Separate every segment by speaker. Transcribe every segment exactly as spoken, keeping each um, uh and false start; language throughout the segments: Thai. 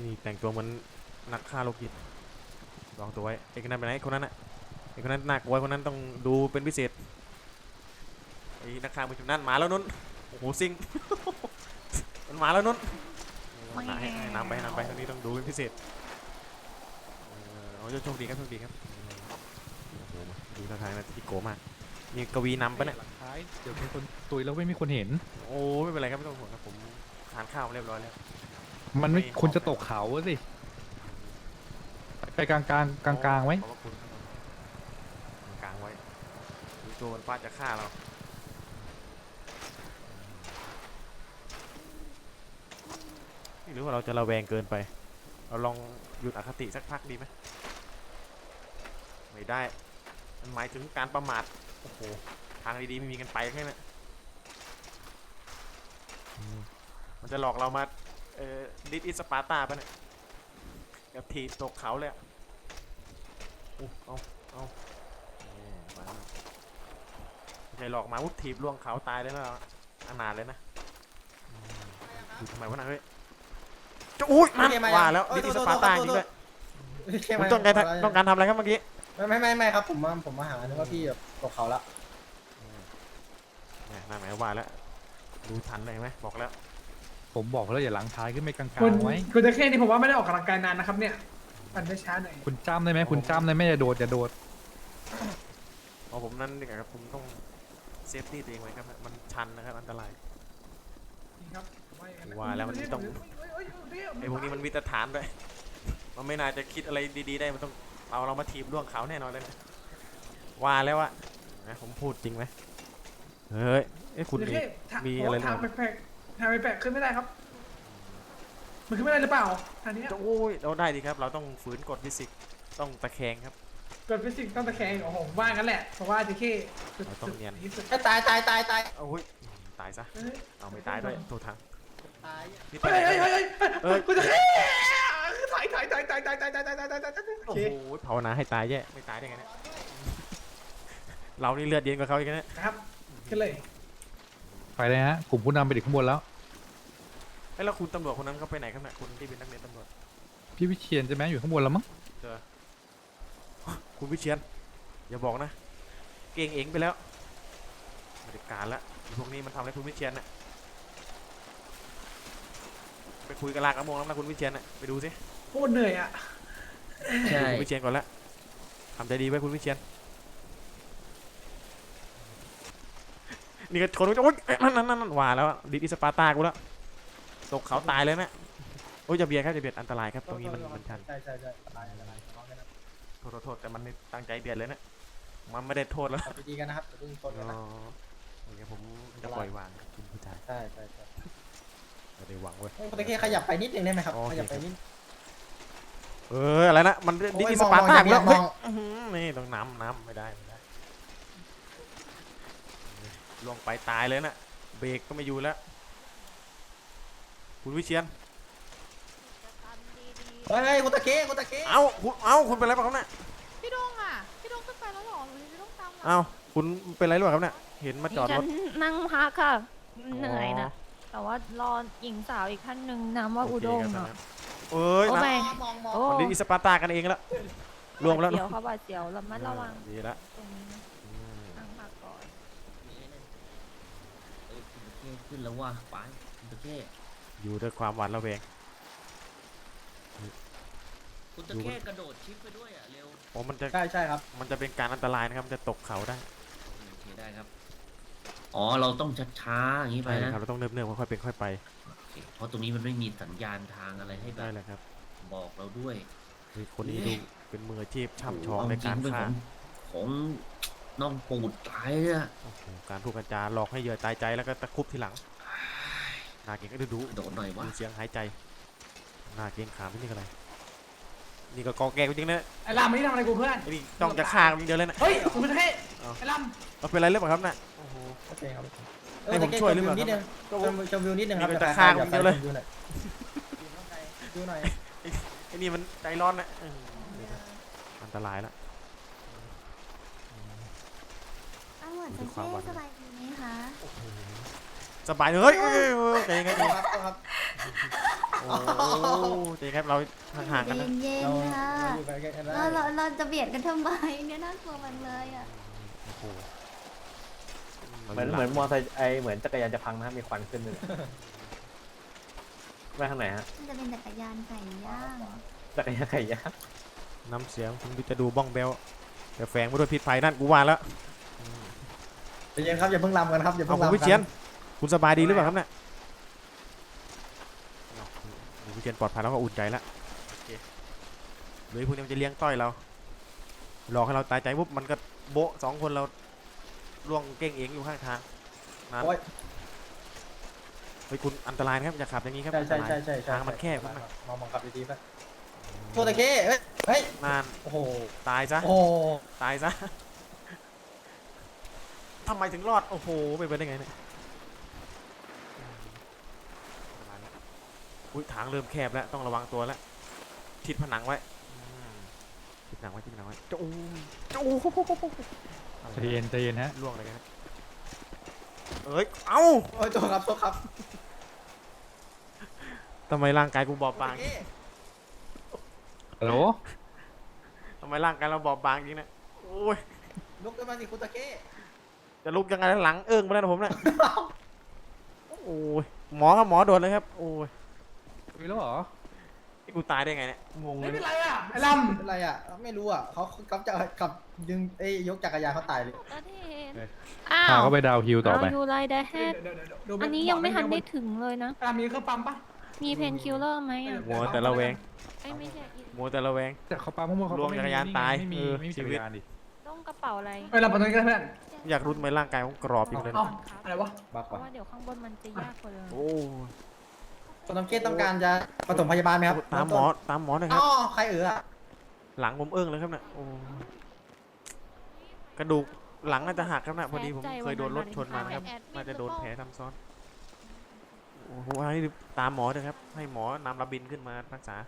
Speaker 1: นี่แต่งตัวเหมือนนักฆ่าโรคจิตลองตัวไว้ไอ้คนนั้นไปไหนคนนั้นอะไอ้คนนั้นน่ากลัวคนนั้นต้องดูเป็นพิเศษไอ้นักฆ่ามือจุดนั้นมาแล้วนุ่นโอ้โหซิงมันมาแล้วนุ่นให้นำไปนำไปตรงนี้ต้องดูเป็นพิเศษโอ้โชคดีครับโชคดีครับโอ้โหดูท่าทางนะที่โกมากมีกวีนำปะเนี่ย
Speaker 2: เดี๋ยวมีคนตุยแล้วไม่มีคนเห็น
Speaker 1: โอ้ไม่เป็นไรครับไม่ต้องห่วงครับผมทานข้าวเรียบร้อยแล้ว
Speaker 2: มันไม่คุณจะตกเขาสิไปกลางกลางกลางกลางไว้
Speaker 1: กลางไว้ดูตัวมันฟาดจะฆ่าเราหรือว่าเราจะระแวงเกินไปเราลองหยุดอคติสักพักดีไหมไม่ได้มันหมายถึงการประมาทโอ้โหทางดีๆไม่มีกันไปแค่นั้นมันจะหลอกเรามาเอ่อดิสอิสปาร์ตาปะเนี่ยกับทีตกเขาเลยอ่ะอู้เอาเอามาไม่ใช่หลอกมาวุ้ทีบล่วงเขาตายเลยนะอนาถเลยนะดูทำไมวะนะเฮ้ยจะอุ้ยมันว่าแล้วดิสอิสปาร์ตาจริงด้วยคุณต้องการต้องการทำอะไรครับเมื่อกี้
Speaker 3: ไม่ไม่ไม่ไม่ครับผมมาผมมาหานึกว่าพี่แบบตกเขาละ
Speaker 1: น่าหมายว่าแล้วดูทันเลยไหมบอกแล้ว
Speaker 2: ผมบอกแล้วอย่าหลังท้ายขึ้นไม่กลางๆไว้
Speaker 4: คุณจะแค่นี้ผมว่าไม่ได้ออกกำลังกายนานนะครับเนี่ยปั่นได้ช้าหน่อย
Speaker 2: คุณจ้ำได้ไหมคุณจ้ำได้ไหมอย่าโดดอย่าโดด
Speaker 1: อ๋อผมนั่นดีกว่าครับผมต้องเซฟตี้ตัวเองไว้ครับมันชันนะครับอันตรายว่าแล้วมันต้องไอ้พวกนี้มันวิตฐานด้วยมันไม่น่าจะคิดอะไรดีๆได้มันต้องเอาเรามาทีบล่วงเขาแน่นอนเลยว่าแล้วอะนะผมพูดจริงไหมเฮ้ยไอ้คุณมีมีอะไร
Speaker 4: ทางแปลกๆทางแปลกๆขึ้นไม่ได้ครับมันขึ้นไม่ได้หรือเปล่าทางนี้
Speaker 1: โอ้ยเราได้ดีครับเราต้องฝืนกฎฟิสิกส์ต้องตะแคงครับ
Speaker 4: กฎฟิสิกส์ต้องตะแคงโอ้โหว่างั้นแหละเพราะว่าจะแค่
Speaker 1: เราต้องเนียน
Speaker 3: ตายตายตายตาย
Speaker 1: โอ้ยตายซะเอาไม่ตายด้วยตัวทาง
Speaker 3: ตาย
Speaker 4: เฮ้ยเฮ้ยเฮ้ยเฮ้ยกูจะแค่ตายตายตายตายตายตายตายตายตายตายตาย
Speaker 1: โอ้โหภาวนาให้ตายแย่ไม่ตายได้ไงเนี่ยเรานี่เลือดเย็นกว่าเขาอีกนะครับ
Speaker 4: กันเลย
Speaker 2: ไปเลยฮะกลุ่มผู้นำไปถึงข้างบนแล้ว
Speaker 1: ไอ้แล้วคุณตำรวจคนนั้นเขาไปไหนครับเนี่ยคุณที่เป็นนักเรียนตำรวจ
Speaker 2: พี่วิเชียนใช่ไหมอยู่ข้างบนแล้วมั้ง
Speaker 1: เจอคุณวิเชียนอย่าบอกนะเก่งเองไปแล้วบริการละพวกนี้มันทำอะไรคุณวิเชียนน่ะไปคุยกับลากระมงแล้วนะคุณวิเชียนน่ะไปดูสิ
Speaker 4: โคตรเหนื่อยอ่ะ
Speaker 1: ใช่คุณวิเชียนก่อนละทำใจดีไว้คุณวิเชียนนี่ก็ชนโอ๊ยนั่นนั่นนั่นว่าแล้วดิสปาร์ตากูแล้วตกเขาตายเลยนะโอ้ยจะเบียดครับจะเบียดอันตรายครับตรงนี้มันมันชัน
Speaker 3: ใช่ใช่ใช่อันตรายอันตราย
Speaker 1: โทษโทษแต่มันตั้งใจเบียดเลยนะมันไม่ได้โทษแล้ว
Speaker 3: ดีกันนะครับเพิ่งชนกันนะ
Speaker 1: โอเคผมจะปล่อยวางคุณผู้ชาย
Speaker 3: ใช่ใช่ใช่
Speaker 1: ไม่ได้หวังเว้ย
Speaker 3: ตะเกียขยับไปนิดนึงได้ไหมครับขยับไปนิด
Speaker 1: เอออะไรนะมันดิสปาร์ตาแล้วนี่ต้องน้ำน้ำไม่ได้ไม่ได้ลงไปตายเลยนะเบรกก็ไม่อยู่แล้วคุณวิเชียน
Speaker 3: เฮ้ยคุณตะเกียคุณตะเกีย
Speaker 1: เอ้าคุณเอ้าคุณเป็นอะไรบ้างครับเนี่ย
Speaker 5: พี่ดงอ่ะพี่ดงขึ้นไปแล้วหรอหรือพี่ดงตาม
Speaker 1: เอ้าคุณเป็นอะไรหรือเปล่าครับเนี่ยเห็นมาจอดรถ
Speaker 5: นั่งพักค่ะเหนื่อยนะแต่ว่ารอหญิงสาวอีกท่านหนึ่งนามว่าอุดมเนาะ
Speaker 1: เอ้ยนะมันดิสปาร์ตากันเองแล้วรวมแล้ว
Speaker 5: เดี๋ยวเขาบาดเสียวระมัดระวัง
Speaker 1: ดีละ
Speaker 5: นั่งพักก่อน
Speaker 6: ขึ้นแล้วว่าไปคุณตะเข้
Speaker 1: อยู่ด้วยความหวาดระแวง
Speaker 6: คุณตะเข้กระโดดชิปไปด้วยอ่ะเร็ว
Speaker 1: โอ้มันจะ
Speaker 3: ใช่ใช่ครับ
Speaker 1: มันจะเป็นการอันตรายนะครับมันจะตกเขาได้
Speaker 6: โอเคได้ครับอ๋อเราต้องช้าๆอย่างนี้ไปนะ
Speaker 1: เราต้องเนิบๆค่อยๆเป็นค่อยไป
Speaker 6: เพราะตรงนี้มันไม่มีสัญญาณทางอะไรให้
Speaker 1: ได้เลยครับ
Speaker 6: บอกเราด้วย
Speaker 1: คนนี้ดูเป็นมืออาชีพช่ำชองในการฆ่า
Speaker 6: ของน้องปูดตายอ่ะ
Speaker 1: การพูดกันจาหลอกให้เหยื่อตายใจแล้วก็ตะคุบทีหลังนาเก่งก็ดูดู
Speaker 6: โดนหน่อยวะ
Speaker 1: เสียงหายใจนาเก่งขามที่นี่อะไรนี่ก็กอแกจริงๆนะ
Speaker 4: ไอ้ลำไม่ทำอะไรกูเพื่อน
Speaker 1: นี่ต้องจะฆ่ามึงเดียวเลยนะ
Speaker 4: เฮ้ยคุณเป็นแค่ไอ้ล
Speaker 1: ำเราเป็นอะไรหรือเปล่าครับน่ะ
Speaker 3: โอเคครับ
Speaker 1: ให้ผมช่วยหรือเปล่า
Speaker 3: นิดนึงชมวิวนิดนึงครับ
Speaker 1: จะฆ่ามึงเดียวเลย
Speaker 3: ดูหน่อย
Speaker 1: ไอ้นี่มันใจร้อนนะอันตรายแล้ว
Speaker 5: ดูความหวานสบายดีไหมคะ
Speaker 1: สบายเลยเฮ้ยใจเย็น
Speaker 3: ครับ
Speaker 1: โอ้เจ๊ครับเราห่างๆกันนะ
Speaker 7: เย็น
Speaker 3: เรา
Speaker 7: ๆค่ะ
Speaker 3: เราอยู่ไปกันได้
Speaker 7: เราเราเราจะเบียดกันทำไมเนี่ยน่ากลัวมันเลยอ่ะ
Speaker 1: โอ้โห
Speaker 8: เหมือนเหมือนมอเตอร์ไซค์ไอเหมือนจักรยานจะพังนะมีควันขึ้นเลยไปทางไหนฮะ
Speaker 7: มันจะเป็นจักรยานไก่ย่าง
Speaker 8: จักรยานไก่ย่าง
Speaker 1: น้ำเสียงคุณจะดูบ้องเบลแต่แฝงไปด้วยพิษไฟนั่นกูว่าแล้ว
Speaker 3: ใจเย็นครับอย่าเพิ่งลำกันครับอย่า
Speaker 1: เอา
Speaker 3: เพิ่ง
Speaker 1: คุณ
Speaker 3: ลำ
Speaker 1: วิ
Speaker 3: กั
Speaker 1: เชียนคุณสบายดีหรือเปล่าครับเนี่ยเอาคุณวิเชียนปลอดภัยแล้วก็อุ่นใจแล้วโอเคหรือพวกนี้มันจะเลี้ยงต้อยเราหลอกให้เราตายใจปุ๊บมันก็โบะสองคนเราล่วงเก้งเองอยู่ข้างทางนั่น
Speaker 3: โอ้ย
Speaker 1: เฮ้ยคุณอันตรายนะครับอย่าขับอย่างนี้ครับ
Speaker 3: ใช่
Speaker 1: อันต
Speaker 3: ใช่
Speaker 1: ราย
Speaker 3: ใช่ใช่ใช่
Speaker 1: ทางมันแคบมาก
Speaker 3: มองมองขับดีๆไปโทษตะเก้เฮ้ยเฮ้ย
Speaker 1: นาน
Speaker 3: โอ้โห
Speaker 1: ตายซะ
Speaker 3: โอ้โห
Speaker 1: ตายซะทำไมถึงรอดโอ้โหไปไปได้ไงเนี่ยประมาณนั้นอุ้ยทางเริ่มแคบแล้วต้องระวังตัวแล้วทิดผนังไว้อืมทิดผนังไว้ทิดผนังไว้จะอู้จะอู้
Speaker 2: ใจเย็นใจเย็นฮะ
Speaker 1: ล่วงอะไรกันนะเอ้ยเอ้า
Speaker 3: โอ้ยโทษครับโทษครับ
Speaker 1: ทำไมร่างกายกูบอบบาง
Speaker 3: โทษตะเก้
Speaker 2: ฮัลโหล
Speaker 1: ทำไมร่างกายเราบอบบางจริงนะโอ้ย
Speaker 3: ลุกขึ้นมาสิคุณตะเก้
Speaker 1: จะลุกยังไงหลังเอิ้งไปแล้วนะผมเนี่ยโอ้ยหมอครับหมอโดนเลยครับโอ้ย
Speaker 2: มีแล้วเหรอ
Speaker 1: นี่กูตายได้ไงเนี่ยงงเล
Speaker 4: ไม่
Speaker 1: ย
Speaker 4: เป็นไรอ่ะไอ้ล
Speaker 3: เป็นไรอ่ะไม่รู้อ่ะเขากำจักกับดึงไอ้ยยกจักรยานเขาตายเลย
Speaker 5: ก็เห็น
Speaker 2: เอ้ย
Speaker 5: อ้า
Speaker 2: พาว เขาไปดาวฮิลต่อไป
Speaker 5: เอายูไลเดเฮ
Speaker 4: ำ
Speaker 5: ด
Speaker 4: เดี๋ยวเดี๋ยวเดี๋ยวดู
Speaker 5: อันนี้ยังไม่ทันได้ถึงเลยนะ
Speaker 4: อ่ะมีเครื่องปั๊มปะ
Speaker 5: มีเพนคิลเลอร์ไหมอ่ะ
Speaker 1: มัวแต่ละแวง
Speaker 5: ไอ้ยไม่ใช่อีก
Speaker 1: มัวแต่ละแวง
Speaker 2: แต่เขาปามั่วๆเขา
Speaker 1: รวมจักรยานตาย
Speaker 2: ไม่มี
Speaker 1: เออ
Speaker 2: ไม่มี
Speaker 1: ชี
Speaker 2: จัก
Speaker 1: วิ
Speaker 2: ร
Speaker 1: ต
Speaker 2: ยานดิ
Speaker 5: ต้องกระเป๋าอะไร
Speaker 4: ไปเราไปตรงนี้กันเพื่อน
Speaker 1: อยากรู้ทำไมร่างกายผมกรอบอยู่เลย
Speaker 4: เอ้า
Speaker 1: นะ
Speaker 4: อะไรวะ
Speaker 3: บัก
Speaker 5: เพ
Speaker 3: ว่ะ
Speaker 5: ราะว่าเดี๋ยวข้างบนมันจะยากกว่าเลย
Speaker 1: โอ้
Speaker 3: คุณตะเก้ต้องการจะปฐมพยาบาลไหมครับ
Speaker 1: ตามหมอตามหมอหน่อยค
Speaker 3: อ๋
Speaker 1: รับ
Speaker 3: อใครเอออ่ะ
Speaker 1: หลังผมเอิ้งเลยครับเนี่ยโอ้กระดูกหลังน่าจะหักครับนะพอดีผมเคยโดนรถชนมานะครับน่าจะโดนแผลซ้ำซ้อนโอ้โหให้ตามหมอเลยครับให้หมอนำระบินขึ้นมารักษา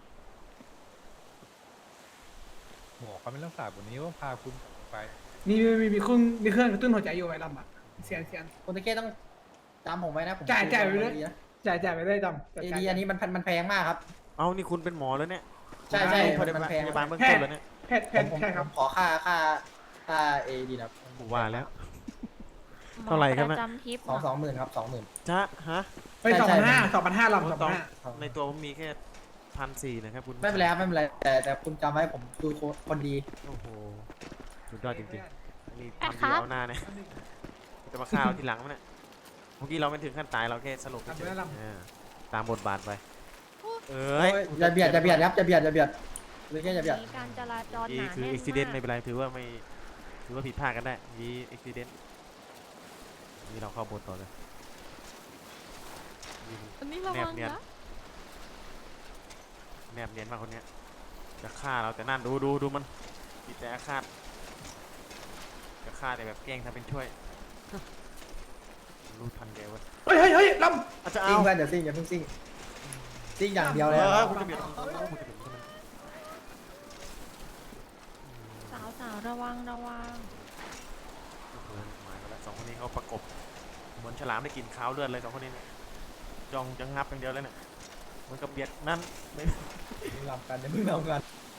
Speaker 2: หมอเขาไม่รักษาแบบนี้ว่าพาคุณไป
Speaker 4: มีมีมีมีเครื่องมีเครื่องกระตุ้นหัวใจอยู่ไอ้ลำอ่ะเสียนเสียน
Speaker 3: คุณตะเก้ต้องจำผมไว้นะผม
Speaker 4: จ่ายจ่ายไปเลย
Speaker 3: ดีนะ
Speaker 4: จ่ายจ่ายไปได้ดำ
Speaker 3: เอดีอันนี้มันมันแพงมากครับ
Speaker 1: เอานี่คุณเป็นหมอแล้วเนี่ย
Speaker 3: ใช่ใช่
Speaker 1: พ
Speaker 3: มัน
Speaker 1: ยา
Speaker 3: มัน
Speaker 1: บาล
Speaker 3: แพง
Speaker 1: พยาบาล
Speaker 3: มาก
Speaker 1: เบื้องต้นแล้วเนี่ย
Speaker 4: แพทย์แพ
Speaker 3: ผ
Speaker 4: ท
Speaker 3: ม
Speaker 4: ย์
Speaker 3: ผม
Speaker 4: ใช่ครับ
Speaker 3: ขอค่าค่าค่าเอดีนะ
Speaker 1: ผมว่าแล้ว เท่าไหร่ครับ
Speaker 5: ป
Speaker 1: เนี่ย
Speaker 5: ระจำทริป
Speaker 3: สองสองหมื่นครับสองหมื่น
Speaker 1: จ้าฮะ
Speaker 4: ไปสอง
Speaker 3: ใช่
Speaker 4: พันห้า
Speaker 3: ใช่
Speaker 4: สองพันห้าลำสอง
Speaker 1: ต้
Speaker 4: พั
Speaker 1: อน ง
Speaker 4: ห้า
Speaker 1: ในตัวผมมีแค่พันสี่นะครับคุณ
Speaker 3: ไม่เป็นไรครับไม่เป็นไรแต่แต่คุณจำไว้ผมคือคนดี
Speaker 1: โอ้โหสุดยอดจริงๆนี่ทำดีเอาหน้าเนี่ยจะมาฆ่าเราทีหลังมั้ยเนี่ยเมื่อกี้เราไม่ถึงขั้นตายเราแค่สลบเฉยๆเออตามบทบาทไปเอ้
Speaker 3: เฮ้
Speaker 1: ย
Speaker 3: ยอย่าเบียดอย่าเบียดครับอย่าเบียดอย่าเบียดหรือแค่อย่าเบียด
Speaker 5: มีการจราจรห
Speaker 1: นี่
Speaker 5: นา
Speaker 1: คือ
Speaker 5: แน่น
Speaker 1: อุบิเหตุ
Speaker 5: มาก
Speaker 1: ไม่เป็นไรถือว่าไม่ถือว่าผิดพลาดกันได้มีอุบิเหตุนี่เราเข้าบทต่อเลยยิง
Speaker 5: อันนี้ระ
Speaker 1: แน
Speaker 5: วั
Speaker 1: บ
Speaker 5: ง
Speaker 1: เนียน
Speaker 5: นะ
Speaker 1: แนบเนียนมากคนเนี้ยจะฆ่าเราแต่นั่นดูดูดูมันมีแต่อาฆาตจะฆ่าแต่แบบแกล้งทำเป็นช่วย รู้ทันแกเว้ย
Speaker 4: เฮ้ยเฮ้ยเฮ้ยล
Speaker 1: อาจจะ
Speaker 3: ซิ่
Speaker 1: เอา
Speaker 3: งเพื่อนเดี๋ยวซิ่งอย่าเพิ่งซิ่งซิ่งอย่างเดียวเลย
Speaker 1: เอ
Speaker 3: ค
Speaker 1: อ
Speaker 3: รับ
Speaker 1: คุณจะเบียดคุณจะเบียดคุณจะเบียด
Speaker 5: สาวสาวๆระวังระวัง
Speaker 1: เออหมายมาแล้วสองคนนี้เขาประกบเหมือนฉลามได้กินข้าวเลือดเลยสองคนนี้เนี่ยจ้องจะงับอย่างเดียวเลยเนี่ยเหมันกับเบียดนั่นไม่
Speaker 3: มึงลำกันอย่ามึงลำกัน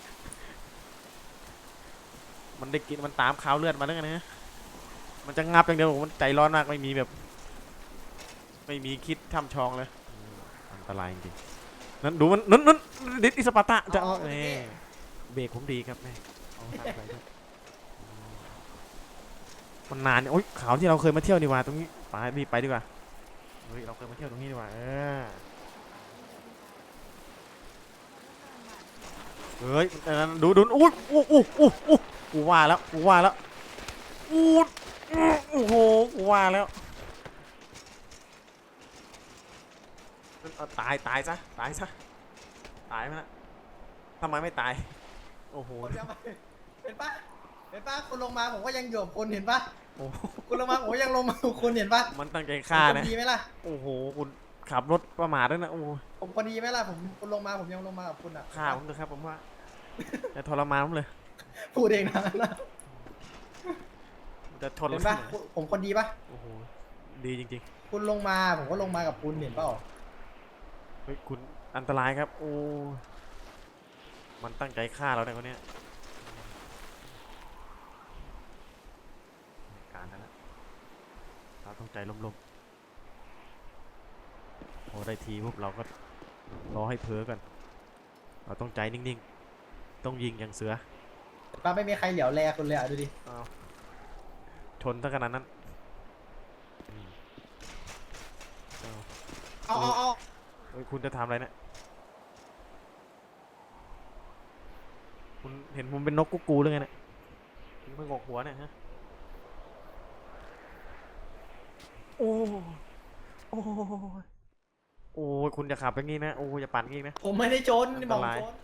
Speaker 1: มันได้กินมันตามข้าวเลือดมาแล้วไงนะมันจะงับอย่างเดียวมันใจร้อนมากไม่มีแบบ ไม่มีคิดทำชองเลยอืมอันตรายจริงๆนั่นดูมันนั่นนั่นดิสอิสปาร์ตะจะเอาเนี่ยเบรกผมดีครับแม่เอาตามไปด้วยอืมมันนานเนี่ยโอ๊ยเขาที่เราเคยมาเที่ยวนี่หว่าตรงนี้ไปรีบไปดีกว่าเฮ้ยเราเคยมาเที่ยวตรงนี้ดีกว่าเออเฮ้ยแต่นั้นดูดูอุ้ยอู้อู้อู้อู้กูว่าแล้วกูว่าแล้วอู้อู้โอ้โหกูว่าแล้วเอาตายตายซะตายซะตายไหมนะทำไมไม่ตายโอ้โห
Speaker 3: คนเดียวมาเห็นปะเห็นปะคุณลงมาผมก็ยังอยู่กับคุณเห็นปะ
Speaker 1: โอ้โห
Speaker 3: คุณลงมาผมก็ยังลงมากับคุณเห็นปะ
Speaker 1: มันตั้งใจฆ่า
Speaker 3: ผม
Speaker 1: นะ
Speaker 3: คนดีไหมล่ะ
Speaker 1: โอ้โหคุณขับรถประมาทด้วยนะโอ้โห
Speaker 3: ผมคนดีไหมล่ะผมคุณลงมาผมยังลงมากับคุณอ่ะ
Speaker 1: ฆ่าผมเลยครับผมว่าจะทรมานผมเลย
Speaker 3: พูดเองนะ
Speaker 1: มันจะทน
Speaker 3: เห็น
Speaker 1: แล้
Speaker 3: ปะ
Speaker 1: ว
Speaker 3: ผมคนดีปะ
Speaker 1: โอ้โหดีจริง
Speaker 3: คุณลงมาผมก็ลงมากับคุณเห็นเปล่า
Speaker 1: ๆเฮ้ยคุณอันตรายครับโอ้มันตั้งใจฆ่าเราเนี่ยคนเนี้ยการนั้นนะเราต้องใจร่มๆพอได้ทีปุ๊บเราก็รอให้เพ้อกันเราต้องใจนิ่งๆต้องยิงอย่างเสือ
Speaker 3: ป้าไม่มีใครเหลียวแลคุณเลยอ่ะดูดิ
Speaker 1: เอาชนตั้งขนาดนั้นอืมเอา
Speaker 3: เอาเอาเอา
Speaker 1: เฮ้ยคุณจะทำอะไรเนี่ยคุณเห็นผมเป็นนกกุ๊กกูหรือไงเนี่ยคุณไม่งกหัวเนี่ยฮะโอ้โอ้โอ้ยคุณจะขับอย่างงี้นะโอ้ยอย่าปั่นอย่างงี้นะ
Speaker 3: ผมไม่ได้ชนนี่บอก
Speaker 1: อันตราย
Speaker 3: ชน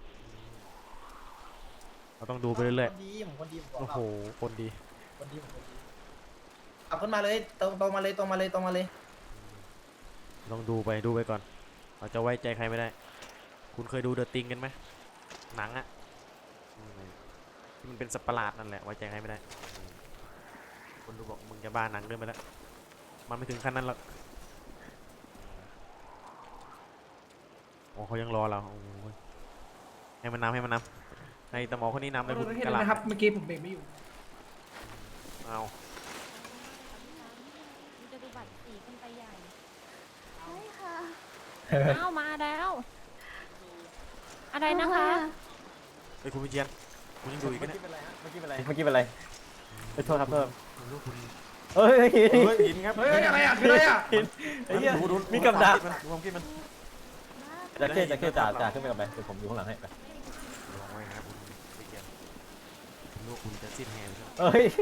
Speaker 1: เราต้องดูไปเรื่อย
Speaker 3: คนดีผมคนดีผม
Speaker 1: ๆ
Speaker 3: บ
Speaker 1: โอ้
Speaker 3: อก
Speaker 1: โหคนดี
Speaker 3: คนดีผมคนดีขับขึ้นมาเลยตรงตรงมาเลยตรงมาเลยตรงมาเลย
Speaker 1: ลองดูไปดูไปก่อนเราจะไว้ใจใครไม่ได้ คุณเคยดูเดอะติงกันไหมหนังอะอืมที่มันเป็นสัตว์ประหลาดนั่นแหละไว้ใจใครไม่ได้อืมคนดูบอกมึงจะบ้าหนังเรื่องไปแล้วมันไม่ถึงขั้นนั้นหรอกโอ้เขายังรอเราโอ้ยให้มันนำให้มันนำให้ตะหมอคนนี้นำเลยคุณ
Speaker 4: เห็น
Speaker 1: กระ
Speaker 4: ไห
Speaker 1: ห
Speaker 4: ม
Speaker 1: ล่ำ
Speaker 4: ครับเมื่อกี้ผมเบรกไม่อยู่
Speaker 1: เอา
Speaker 5: มันจะดูบัตรสีขึ้นไปใหญ่
Speaker 7: ใช่ค่ะ
Speaker 5: อ้าวมาแล้ว อะไรนะคะ
Speaker 1: เฮ้ยคุณวิเชียนคุณยังดูอีก
Speaker 8: เมื่อ
Speaker 1: นะ
Speaker 8: กี้เป็นไรฮะเมื่อกี้เป็นไรเมื่อกี้เป็นไรเอ้ยโทษครับโทษ
Speaker 1: คุณรู้คุณ
Speaker 8: เฮ้ย
Speaker 1: เฮ้ยหินครับ
Speaker 4: เฮ้ยอะไรอ่ะคืออะไรอ่ะ
Speaker 8: ไอ้เหี้ย
Speaker 1: ดูดู
Speaker 8: มีกับดัก
Speaker 1: ดูความคิดมัน
Speaker 8: จะเก้จะเก้จ่าจ่าขึ้นไปกับไปเดี๋ยวผมอยู่ข้างหลังให้ไป
Speaker 1: ลองไว้นะครับคุณวิเชียนผมรู้ว่าคุณจะสิ้นแฮมครับ
Speaker 8: เอ้ย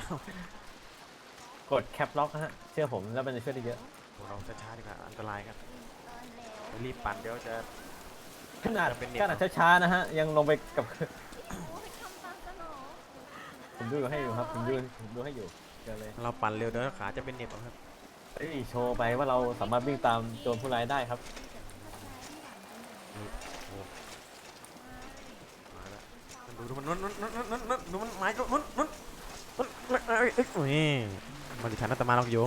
Speaker 8: กดแคปล็อกฮะเชื่อผมแล้วมันจะช่วยได้เยอะ
Speaker 1: เราช้าๆดีกว่าอันตรายครับรีบปั่นเดี๋ยวจะ
Speaker 8: ขนาด
Speaker 1: จะเป็นเน็ต
Speaker 8: ขนาดช้าๆนะฮะยังลงไปกับ
Speaker 7: โอ้ยทำตามสนอง
Speaker 8: ผมดูให้อยู่ครับผมดูผมดูให้อยู่เจอเลย
Speaker 1: เราปั่นเร็วเดี๋ยวขาจะเป็นเหน็บเอาครับ
Speaker 8: เฮ้ยโชว์ไปว่าเราสามารถวิ่งตามโจรผู้ร้ายได้ครับ
Speaker 1: มาแล้วมันดูดูมันนุ่นนุ่นนุ่นนุ่นนุ่นดูมันไม้ก็นุ่นนุ่นนุ่นเอ้ยเอ้ยเอ้ยนี่มาดิฉันนัตมาลองโยม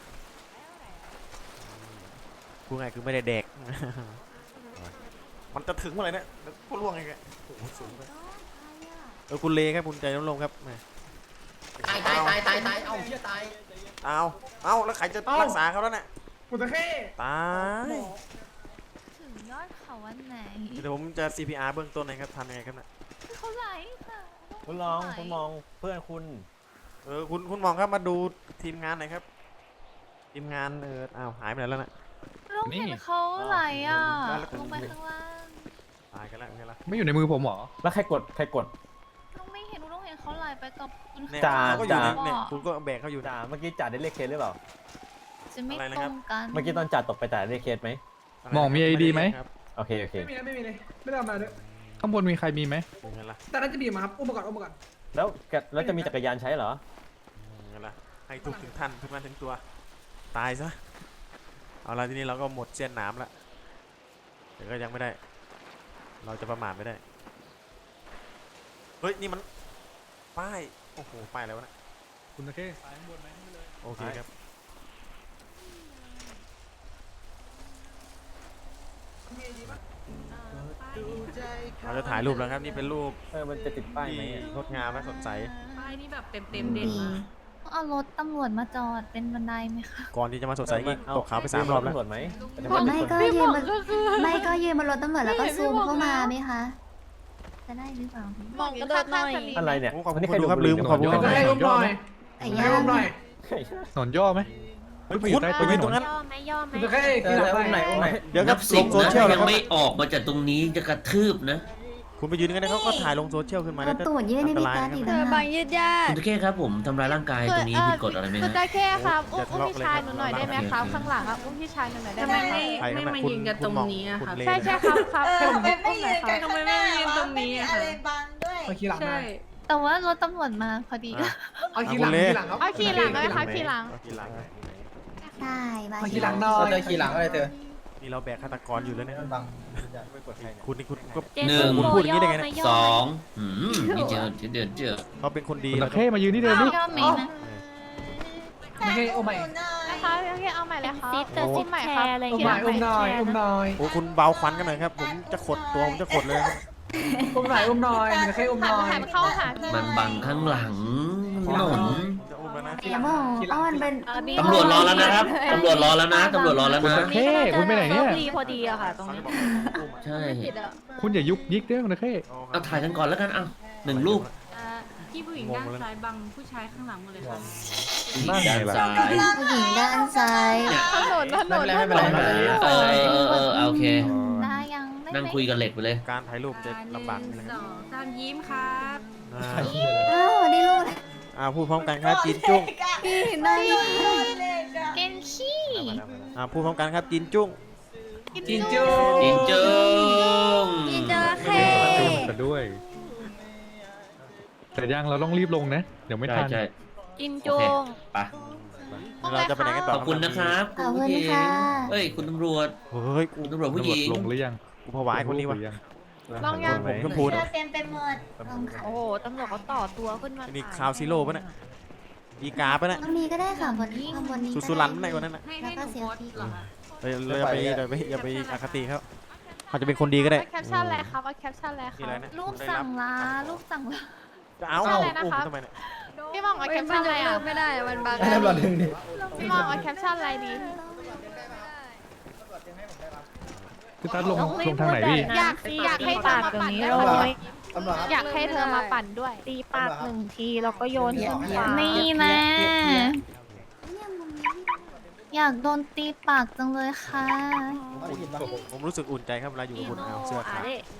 Speaker 1: พูดไงคือไม่ได้แดก มันจะถึงเมื่อไหร่เนี่ยเดี๋ยวกูล่วงไงแกโอ้โหสูงไปเออคุณเลครับคุณใจร่มๆครับแหม
Speaker 3: ตายตายตายตายตายเอ้าเชี่ยตาย
Speaker 1: เอาเอาแล้วใครจะรักษาเขาแล้วเนี่ย
Speaker 4: กูจะแค่
Speaker 1: ตาย
Speaker 7: ถึงยอดเขาวันไหน
Speaker 1: เดี๋ยวผมจะ ซี พี อาร์ เบื้องต้นนะครับทำยังไงครับเนี่ย
Speaker 7: เขาไหลค่ะ
Speaker 8: คุณลองคุณมองเพื่อนคุณ
Speaker 1: เออคุณคุณมองครับมาดูทีมงานหน่อยครับ ทีมงานเอออ้าวหายไปไหนแล้วน่ะ
Speaker 5: ลูกเห็นเขาไหลอ่ะ
Speaker 1: แล้วแล้ว
Speaker 5: ลงไปข้างล่าง
Speaker 1: ตายกันแล้วไงล่ะ
Speaker 2: ไม่อยู่ในมือผมเหรอ
Speaker 8: แล้วใครกดใครกด
Speaker 5: ลูกไม่เห็นลูกเห็นเขาไหลไปกับคุณ
Speaker 1: เนี่ย
Speaker 8: จ่า
Speaker 1: เขาก็อยู่ใน
Speaker 8: จ่า
Speaker 1: เนี่ยคุณก็แบกเขาอยู่
Speaker 8: จ่าเมื่อกี้จ่าได้เรียกเคสหรือเปล่า
Speaker 5: จะไม่
Speaker 1: อะไรนะ
Speaker 5: ต
Speaker 1: ค
Speaker 5: ร
Speaker 1: รับ
Speaker 5: งกัน
Speaker 8: เมื่อกี้ตอนจ่าตกไปจ่าได้เรียกเคสไหม
Speaker 2: มองมี ไอ ดี ไหม
Speaker 1: ครับ
Speaker 8: โอเคโอเค
Speaker 4: ไม่มีนะไม่มีเลยไม่ได้เอามาด้วย
Speaker 2: ข้างบนมีใครมีไหม
Speaker 1: ยังไงล่ะ
Speaker 4: แต่น่าจะบีบมาครับอุ้มมาก่อนอุ้มมาก่อน
Speaker 8: แล้วแกแล้วจะมีจักรยานใช้เหรอ
Speaker 1: ยังไงล่ะให้ทุกถึงท่านทุกท่านถึงตัวตายซะเอาละทีนี้เราก็หมดเส้นหนามละแต่ก็ยังไม่ได้ เราจะประมาทไม่ได้เฮ้ยนี่มันป้ายโอ้โหป้ายแล้วะนะ
Speaker 2: คุณตะเข้ซ้ายข้างบนไหมไม่เลย
Speaker 1: โอเคครับเราจะถ่ายรูปแล้วครับนี่เป็นรูป
Speaker 8: เออมันจะติดป้ายไหม
Speaker 1: ที่
Speaker 8: อะ
Speaker 1: งดงามและสดใส
Speaker 9: ป้ายนี่แบบเต็มเต็มๆเด่นมาก
Speaker 5: เอารถตำรวจมาจอดเป็นบันไดไหมคะ
Speaker 1: ก่อนที่จะมาสดใสอีก
Speaker 8: เอ
Speaker 1: ตกเขาไปสามรอบแล้ว
Speaker 8: ตำรวจไหม
Speaker 7: ไม่ก็ยืนบนไม่ก็ยืนบนรถตำรวจแล้วก็ซูมเข้ามาไหมคะ จะได้หรือเปล่า
Speaker 9: มองกระโดดหน่อย
Speaker 8: อะไรเนี่ย
Speaker 1: โอ้ขอบคุณ
Speaker 8: วันนี้
Speaker 1: คนดูครับ
Speaker 8: ใ
Speaker 1: ลืมขอบคุณ
Speaker 4: จะให้อุ้มหน่อย
Speaker 7: ไก่
Speaker 4: จะให้
Speaker 7: ย่าง
Speaker 4: อุ้มหน่อย
Speaker 2: หนอนย่อไหม
Speaker 1: เฮ้ย
Speaker 2: ไปอยู่ใต้
Speaker 1: ไปยืนตรงนั้น
Speaker 5: ย่อไหมย่อไหม
Speaker 4: กูจะแค่
Speaker 3: เอ
Speaker 4: กิน
Speaker 3: อ
Speaker 4: หลัง
Speaker 3: อุ้มไหน
Speaker 4: ไป
Speaker 3: อุ้มไหน
Speaker 1: เดี๋ยวครับ
Speaker 6: นับ
Speaker 1: ล
Speaker 6: สิบ
Speaker 1: งโซ
Speaker 6: นะ
Speaker 1: เชียล
Speaker 6: ถ้า
Speaker 1: แล้ว
Speaker 6: ยัง
Speaker 1: ก็
Speaker 6: ไม่ออกมาจากตรงนี้จะกระทืบนะ
Speaker 1: คุณไปยืนกันได้เขาก็ถ่ายลงโซเชียลขึ้นมา
Speaker 7: เอา
Speaker 1: จะ
Speaker 7: ตูดยื่นให้
Speaker 1: อันต
Speaker 7: พี่
Speaker 1: ราย
Speaker 7: การ
Speaker 1: นะ
Speaker 7: อีก
Speaker 1: ค
Speaker 7: แล้
Speaker 1: รับ
Speaker 7: ว
Speaker 9: บางยืดญา
Speaker 6: คุ
Speaker 9: ติ
Speaker 6: ณตะเข้ครับผมทำร้ายร่างกายตรงนี้ผิดกฎอะไรไหม
Speaker 9: คือ
Speaker 6: ฮะ
Speaker 9: ได้แค่ครับ
Speaker 1: อย่า
Speaker 9: อุ้ม
Speaker 1: ทะ
Speaker 9: อุ้ม
Speaker 1: เลาะ
Speaker 9: พี่
Speaker 1: เลย
Speaker 9: ชาย
Speaker 1: ครับ
Speaker 9: หนูหน่อยได้ไหมครับข้างหลังครับอุ้มพี่ชายหนูหน่อยได้ไหมครับ
Speaker 1: ใคร
Speaker 9: ไม่
Speaker 1: ครับ
Speaker 9: มา
Speaker 1: คุณ
Speaker 9: ยืนกันตรงนี้อะ
Speaker 1: คุณ
Speaker 9: ครับ
Speaker 1: เล
Speaker 9: ใช่ใช่ครับครับผมอุ้มหน่อยครับ
Speaker 4: มาขี่หลัง
Speaker 9: ใช่
Speaker 4: นะ
Speaker 5: แต่ว่ารถตำรวจมาพอดี
Speaker 1: อ่ะ
Speaker 4: เอาขี่หลังขี่หลังครับ
Speaker 9: เอาขี่หลังเลยครับขี่หลัง
Speaker 1: เอาขี่หลัง
Speaker 7: ได้บาย
Speaker 4: มาขี่หลังหน่อ
Speaker 3: เรา
Speaker 4: ย
Speaker 3: เจอขี่หลังอะไรเธอ
Speaker 1: นี่เราแบกฆาตกรอยู่แล้วเนี่ย
Speaker 3: มันบัง
Speaker 8: ไม่กดใครเนี่ย
Speaker 1: คุณนี่คุณก็
Speaker 5: เจ
Speaker 6: หนึ่
Speaker 5: สั
Speaker 6: ง
Speaker 5: นโบ
Speaker 1: พูดอย่างนี้ได้ไงเนี่ย
Speaker 5: ย่
Speaker 6: ส
Speaker 5: ไหม
Speaker 6: องหืมนี่เจอเดือดเจอ
Speaker 1: เขาเป็นคนดี
Speaker 2: คุณ
Speaker 1: แล้
Speaker 2: ตะ
Speaker 1: วก็
Speaker 2: เข้มายืนที่เดิมดิ
Speaker 5: ย่อไหมนะ
Speaker 4: ไม่ให้โอ้ไม่
Speaker 9: ได้คะโอเคเอาใหม่เลยค่ะ
Speaker 5: ซิสเตอร์ซิสแชร์อะไร
Speaker 4: อุ้ม
Speaker 5: เงี้
Speaker 4: หน่อย
Speaker 5: ย
Speaker 4: อุ้มหน่อยอุ้มหน่อย
Speaker 1: โอ้คุณเบาควันกันหน่อยครับ ผมจะขดตัวผมจะขดเลยครับ
Speaker 4: อุ้มหน่อยอุ้มหน่อยจะแค่อุ้มห
Speaker 9: หัน
Speaker 4: น่อย
Speaker 9: หันเข้าหาพี่
Speaker 6: มันบังข้างหลังถนน
Speaker 1: จะอุ้มแล้วนะ
Speaker 3: ทีหลังทีหลัง
Speaker 7: อ้อนเป็น
Speaker 6: ตำรวจรอแล้วนะครับตำรวจรอแล้วนะตำรวจรอแล้ว
Speaker 2: คุณ
Speaker 6: นะ
Speaker 2: ตะเข้คุณไปไหนเนี่ย
Speaker 5: ดีพอดีอะค่ะ ตรงนี้
Speaker 6: ใช่
Speaker 2: คุณอย่ายุกยิกด้วยคุณตะเข้
Speaker 6: เอาถ่ายกันก่อนแล้วกันเอาหนึ่งรูป
Speaker 9: พี่ผู้หญิงด้านซ้ายบังผู้ชายข้างหลังหมดเลยค่ะ
Speaker 2: นั่นไงล่ะ
Speaker 6: ด้านซ้าย
Speaker 7: ผู้หญิงด้านซ้าย
Speaker 6: เนี่ย
Speaker 9: ถนนถนน
Speaker 8: ไม่เป็นไรไม่เป็นไร
Speaker 6: เออเออเออโอเค
Speaker 7: ได้ยังไม่
Speaker 6: นั่งคุยกันเหล็กไปเลย
Speaker 1: การถ่ายรูปจะลำบากนิดนึง
Speaker 9: ส
Speaker 1: ครับ
Speaker 9: องสามยิ้มครับ
Speaker 1: อ่า
Speaker 7: อ้าวนี่ลูก
Speaker 1: อ่าพูดพร้อมกันครับจินจุ้ง
Speaker 7: พี่น้อง
Speaker 9: เกนขี้
Speaker 1: อ่าพูดพร้อมกันครับจินจุ้ง
Speaker 4: จินจู
Speaker 6: จินจึง
Speaker 7: พี่เจอเค
Speaker 2: กันด้วย แต่ยังเราต้องรีบลงนะ เดี๋ยวไม่
Speaker 6: ใช่
Speaker 2: ทัน
Speaker 6: ใช่
Speaker 5: จิน
Speaker 6: โอ
Speaker 5: จุ
Speaker 6: เค
Speaker 5: ง
Speaker 6: ไป
Speaker 1: เราจะไปไหนกันต่อ
Speaker 6: ขอบคุณนะครับ
Speaker 7: ขอบคุณ
Speaker 6: ผู้หญิง
Speaker 7: ค่ะ
Speaker 6: เอ้ยคุณตำรวจ
Speaker 1: เฮ้ยกู
Speaker 6: คุณตำรวจผู้หญิง
Speaker 2: ลงหรือยัง
Speaker 1: กูผวาไอ้คนนี้วะ
Speaker 2: หรือยัง
Speaker 9: ลองยัง
Speaker 1: ผมชมพูเนี่ย
Speaker 7: เต็มไปหมด
Speaker 5: โอ้โหตำรวจเขาต่อตัวขึ้นมา
Speaker 1: นี่คาวซิโร่ปะเนี่ยอีกาปะเนี่ย
Speaker 7: ตรงนี้ก็ได้ค่ะบนนี้ข้างบนนี้
Speaker 1: สุสุรันปะเนี่ยคนนั้นน่ะ
Speaker 9: ให้ให้หนูโพสต์เหรอคะ
Speaker 1: เราเราอย่าไปอย่าไปอย่าไปอคติเขาเขาจะเป็นคนดีก็ได้
Speaker 9: เอาแคปชั่นอะไรครับเอาแคปชั่นอะไรค
Speaker 1: นี่
Speaker 9: รั
Speaker 1: อะไร
Speaker 9: บ
Speaker 1: นะ
Speaker 5: รูปสั่งลารูปสั่งลา
Speaker 1: จะเอา
Speaker 9: เอาอะไรนะ
Speaker 1: อุ้ม
Speaker 9: คะ
Speaker 1: ทำไมเนี่ย
Speaker 9: พี่มองเอาแคปชั่นอะไรอ่ะ
Speaker 5: ไม่ได้มันบัง
Speaker 3: ให้ตำรวจดึงดิ
Speaker 9: พี่มองเอาแคปชั่นอะไรดี
Speaker 2: พี่ตัดลงลงทางไหนพี่
Speaker 9: อยากอยากให้
Speaker 5: ปากตรงนี้เราไว้
Speaker 3: ตำรวจครับ
Speaker 9: อยากให้เธอมาปั่นด้วย
Speaker 5: ตีปากหนึ่งทีแล้วก็โยนขึ้นฟ้า
Speaker 7: นี่นะอยากโดนตีปากจังเลยค่ะ
Speaker 3: ได้ยินปะ
Speaker 1: ผมรู้สึกอุ่นใจครับเวลาอยู่กับคุณเอาเสื้อขาว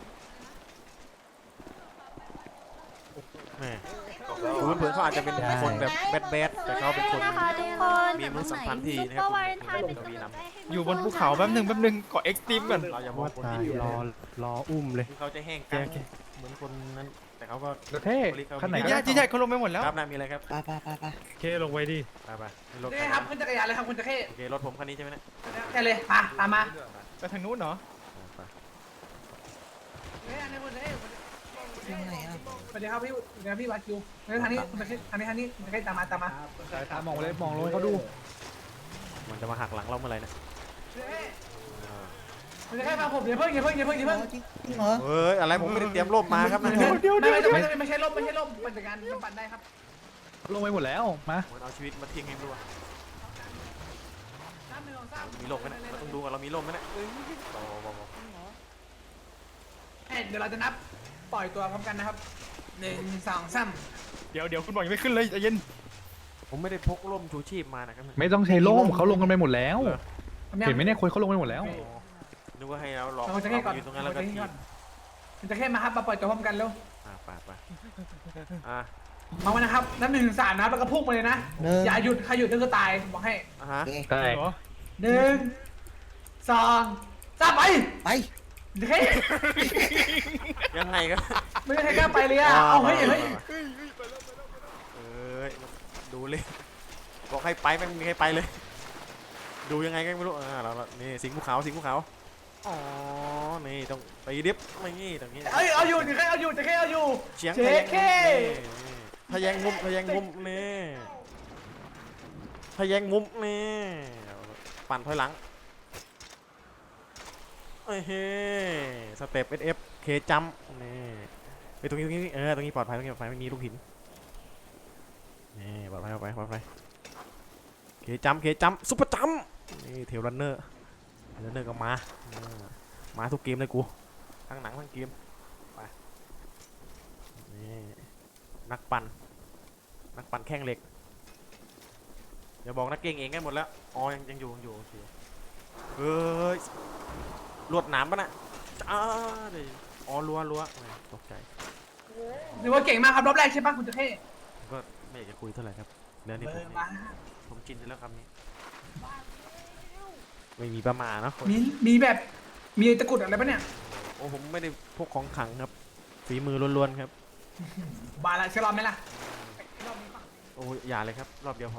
Speaker 1: แหมดูเพื่อนๆเขาอาจจะเป็นคนแบบแบดแบดๆแต่เขาเป็นคน
Speaker 5: นะคะทุกคน
Speaker 1: มีมนุษยสัมพันธ์ที่นะครับ
Speaker 5: ซุปเปอร์วาเลนไทน์เป็น
Speaker 1: เรา
Speaker 5: กำ
Speaker 1: มี
Speaker 5: ลัง
Speaker 1: น
Speaker 5: ใจให้
Speaker 10: อยู่บนภูเขาแป๊บหนึ่งแป๊บหนึ่งเกาะเอ็กซ์ตรีมก่อน
Speaker 1: ำเราอย่ามองคนที่
Speaker 10: รอรออุ้มเลย
Speaker 1: ที่เขาจะแห้งกันเหมือนคนนั้นแต่เขาก็
Speaker 2: ตะเข้ขั้นไหน
Speaker 10: ญา
Speaker 2: กัน
Speaker 10: ติญาติเขาลงไปหมดแล้ว
Speaker 1: ครับนามีอะไรครับ
Speaker 8: ไปไปไปไป
Speaker 10: เคลงไว้ดิ
Speaker 1: ไปไปให้รถ
Speaker 4: นี่ครับขึ้นจักรยานเลยครับคุณจะแค่
Speaker 1: โอเครถผมคันนี้ใช่ไหมเนี่ย
Speaker 4: แค่เลยมาตามมา
Speaker 10: ไปทางนู้นเหรอ
Speaker 1: ไป
Speaker 4: เฮ้ยอันนี้คุณจะแค่สวัสดีครับพี่สวัสดีครับพี่วาคิวเฮ้ยทางนี้คุณจะแค่ทางนี้ทางนี้คุณจะแค่ตามมาตามมา
Speaker 2: สายตามองเลยมองลงเขาดู
Speaker 1: มันจะมาหักหลังเราเมื่อไหร่เนี่ย
Speaker 4: คุณจะแค่มาผมอย่าเพิ่งอย่าเพิ่งอย่าเพิ่งอย่าเพิ่ง
Speaker 3: จริงเหรอ
Speaker 1: เฮ้ยอะไรผมไม่ได้เตรียมร่มมาครับนะ
Speaker 4: เดี๋ยวเดี๋ยวไม่ไม่ไม่ใช่ล่มไม่ใช่ล่มปั่นจักรยานมันปั่นได้ครับ
Speaker 2: ลงไปหมดแล้วมา
Speaker 1: เหมือนเอาชีวิตมาทิ้งให้ดูอะ
Speaker 4: สามหนึ่งสองสาม
Speaker 1: มีร่มไหมเนี่ยเราต้องดูว่าเรามีร่มไหมเนี่ยโอ้โห
Speaker 4: เอ้ยเดี๋ยวเราจะนับปล่อยตัวพร้อมกันนะครับหนึ่งสองสาม
Speaker 10: เดี๋ยวเดี๋ยวคุณบอกยังไม่ขึ้นเลยใจเย็น
Speaker 1: ผมไม่ได้พกร่มชูชีพมานะครับ
Speaker 2: ไม่ต้องใช้ร่มเขาลงกันไปหมดแล้ว
Speaker 4: ทำยัง
Speaker 2: เห็นไหมเนี่ยคนเขาลงไปหมดแล้ว
Speaker 1: นึกว่าให้เราหลอก
Speaker 4: เราจะแค่ก่อน
Speaker 1: อยู่ตรงนั้นแล้วก็
Speaker 4: เราจะ
Speaker 1: ที
Speaker 4: แค่ก่อนมันจะแค่มาครับมาปล่อยตัวพร้อมกันแล้ว
Speaker 1: อ่าไปไปอ่า
Speaker 4: มาวันนะครับนับหนึ่งถึงสามนะครับแล้วก็พุ่งไปเลยนะ
Speaker 3: หนึ่ง
Speaker 4: อย่าหยุดใครหยุดนั่นก็ตายผมบอกให้
Speaker 1: อ่าฮะ
Speaker 2: ใช่
Speaker 10: เหรอ
Speaker 4: หนึ่งสองสามไป
Speaker 3: ไป
Speaker 4: เฮ้ย
Speaker 1: ยังไงก็
Speaker 4: ไม่มีใครกล้าไปเลยอ่ะเอาเฮ้ยเฮ้ย
Speaker 1: เอ้ยดูเลยบอกให้ไปไม่มีใครไปเลย ดูยังไงก็ไม่รู้อ่าเราเรานี่สิงห์ภูเขาสิงห์ภูเขาอ๋อนี่ต้องไปดิฟไม่นี่ตรงนี้
Speaker 4: เอ้ยเอาอยู่จะแค่เอาอยู่จะแค่เอาอยู่
Speaker 1: เฉียง
Speaker 4: เจ๊แค่
Speaker 1: ทะแยงมุมทะแยงมุมนี่ทะแยงมุมนี่ปั่นถอยหลังเอ้ยเฮ้สเต็ปเอสเอฟเคจัมนี่ไปตรงนี้ตรงนี้เออตรงนี้ปลอดภัยตรงนี้ปลอดภัยไม่มีลูกหินนี่ปลอดภัยปลอดภัยปลอดภัยเคจัมเคจัมซุปเปอร์จัมนี่เทลรันเนอร์เทลรันเนอร์ก็มามาทุกเกมเลยกูทั้งหนังทั้งเกมไปนี่นักปั่นนักปั่นแข้งเหล็กอย่าบอกนักเก่งเองกันหมดแล้วอ๋อยังยังอยู่ยังอยู่โอเคเฮ้ยลวดหนามปะน่ะจ้าเลยอ๋อรั้วรั้วตกใจ
Speaker 4: หรือว่าเก่งมากครับรอบแรกใช่ปะคุณจะแค่
Speaker 1: ก็ไม่อยากจะคุยเท่าไหร่ครับเรื่องนี้
Speaker 4: เอ
Speaker 1: ผม
Speaker 4: อมา
Speaker 1: ผมชินไปแล้วคำนี้ ไม่มีประมาณเนาะ
Speaker 4: มีมีแบบมีตะกรุดอะไรปะเนี่ย
Speaker 1: โอ้ผมไม่ได้พกของขลังครับฝีมือล้วนๆครับ
Speaker 4: บาละเชลรอมไหมล่ะ
Speaker 1: โอ้ยอย่าเลยครับ รอบเดียวพอ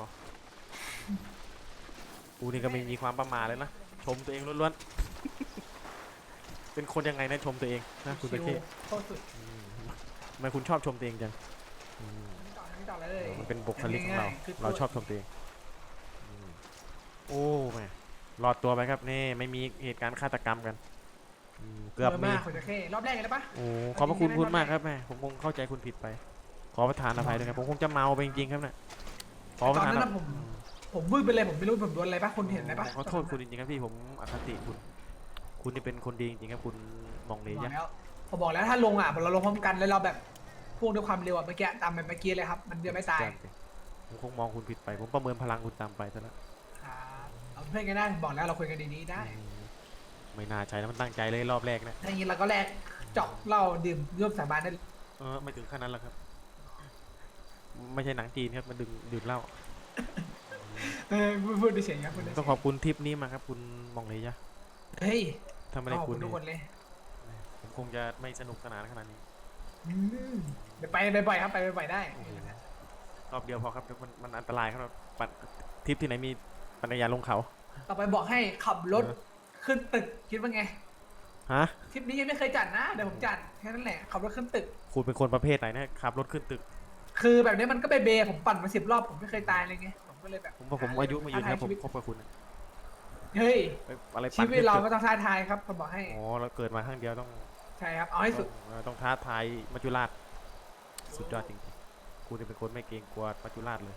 Speaker 1: กูนี่ก็ไม่มีความประมาทเลยนะชมตัวเองล้วนๆเป็นคนยังไงนะชมตัวเองนะคุณตะเข้
Speaker 4: โคตรสุด
Speaker 1: ทำไมคุณชอบชมตัวเองจังอืม
Speaker 4: ต่อเลยต่อเลย
Speaker 1: มันเป็นบุคลิกของเราเราชอบชมตัวเองอืมโอ้แม่รอดตัวไปครับนี่ไม่มีเหตุการณ์ฆาตกรรมกันอืมเกือบมี
Speaker 4: มากคนจะแค่รอบแรกเลยปะ
Speaker 1: โอ้ขอบพระคุณคุณมากครับแม่ผมคงเข้าใจคุณผิดไป ขอประทานอภัยด้วยครับผมคงจะเมาไปจริงๆครับเนี่ยขอประ
Speaker 4: ตอน
Speaker 1: ทาน
Speaker 4: นั้น
Speaker 1: อ
Speaker 4: นะ
Speaker 1: ภัย
Speaker 4: ผมผมวืดไปเลยผมไม่รู้ผมโดนอะไรปะคนเห็นอะไรปะ
Speaker 1: ขอโทษคุณจริงๆครับพี่ผมอคติคุณ คุณนี่เป็นคนดีจริงๆครับคุณมองเลย
Speaker 4: บอก
Speaker 1: ยะ
Speaker 4: แล้วผมบอกแล้วถ้าลงอ่ะเราลงพร้อมกันแล้วเราแบบพุ่งด้วยความเร็วอ่ะเมื่อกี้ตามไปเมื่อกี้เลยครับ มันจะไม่ตาย
Speaker 1: ผมคงมองคุณผิดไป ผมประเมินพลังคุณตามไปซะแล้ว
Speaker 4: ครับเอาเพื่อนกันได้บอกแล้วเราคุยกันดีๆได้
Speaker 1: อืมไม่น่าใช่แล้วมันตั้งใจเลยรอบแรกนะ
Speaker 4: ถ้าอย่างนี้เราก็แลกเจาะเหล้าดื่มร่วมสาบานได้เลย
Speaker 1: เออไม่ถึงขั้นนั้นหรอกครับ ไม่ใช่หนังจีนครับมันดึงดื่มเหล้า
Speaker 4: เออพูดเฉยๆครับพูดเฉยๆ
Speaker 1: ต้องขอบคุณทิปนี้มากครับ คุณมองเลยยะ
Speaker 4: เฮ้ย
Speaker 1: ถ้าไม่ได้
Speaker 4: ขอบ
Speaker 1: คุ
Speaker 4: คุณ ณทุ
Speaker 1: นี่
Speaker 4: กคนเลย
Speaker 1: ผมคงจะไม่สนุกสนานขนาดนี้
Speaker 4: อืมเดี๋ยวไปบ่อยๆครับไปบ่อยๆได้
Speaker 1: รอบเดียวพอครับเดี๋ยวมันมันอันตรายครับปั่นทริปที่ไหนมีปัญญาลงเขา
Speaker 4: ต่อไปบอกให้ขับรถขึ้นตึกคิดว่าไง
Speaker 1: ฮะ
Speaker 4: ทริปนี้ยังไม่เคยจัดนะเดี๋ยวผมจัดแค่นั้นแหละขับรถขึ้นตึก
Speaker 1: คุณเป็นคนประเภทไหนนะขับรถขึ้นตึก
Speaker 4: คือแบบนี้มันก็เบเบผมปั่นมาสิบรอบผมไม่เคยตายเลยไงผมก็เลยแบบ
Speaker 1: ผมว่าผมอายุมายืนครับผม
Speaker 4: ท้าทายชีวิต
Speaker 1: คบกับคุณนะ
Speaker 4: เฮ้ย
Speaker 1: ไปอะไร
Speaker 4: ชี
Speaker 1: ปั่น
Speaker 4: วิตเรา
Speaker 1: ขึ้น
Speaker 4: ก็
Speaker 1: ตึก
Speaker 4: ต้องท้าทายครับผมบอกให้
Speaker 1: อ๋อเราเกิดมาครั้งเดียวต้อง
Speaker 4: ใช่ครับเอาให้สุด
Speaker 1: ต้องต้องท้าทายมัจจุราชสุดยอดจริงๆคุณนี่เป็นคนไม่เกรงกลัวมัจจุราชเลย